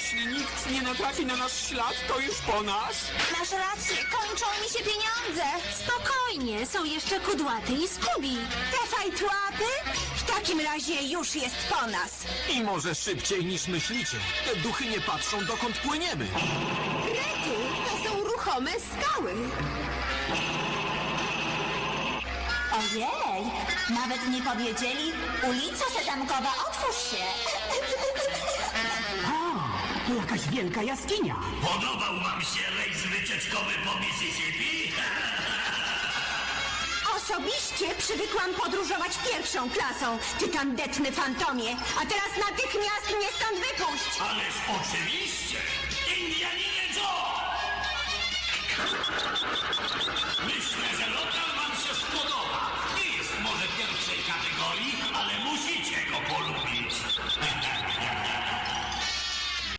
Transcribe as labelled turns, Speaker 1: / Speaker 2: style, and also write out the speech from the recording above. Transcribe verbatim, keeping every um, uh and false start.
Speaker 1: Jeśli nikt nie natrafi na nasz ślad, to już po nas.
Speaker 2: Masz rację, kończą mi się pieniądze.
Speaker 3: Spokojnie, są jeszcze Kudłaty i Skubi.
Speaker 2: Te fajtłapy? W takim razie już jest po nas.
Speaker 4: I może szybciej niż myślicie. Te duchy nie patrzą, dokąd płyniemy.
Speaker 2: Rety, to są ruchome skały.
Speaker 5: Ojej, nawet nie powiedzieli, ulico Setamkowa, otwórz się.
Speaker 6: To jakaś wielka jaskinia.
Speaker 7: Podobał wam się rejs wycieczkowy po Mississippi?
Speaker 2: Osobiście przywykłam podróżować pierwszą klasą, ty tandetny fantomie. A teraz natychmiast mnie stąd wypuść.
Speaker 7: Ależ oczywiście! Indianinie Joe!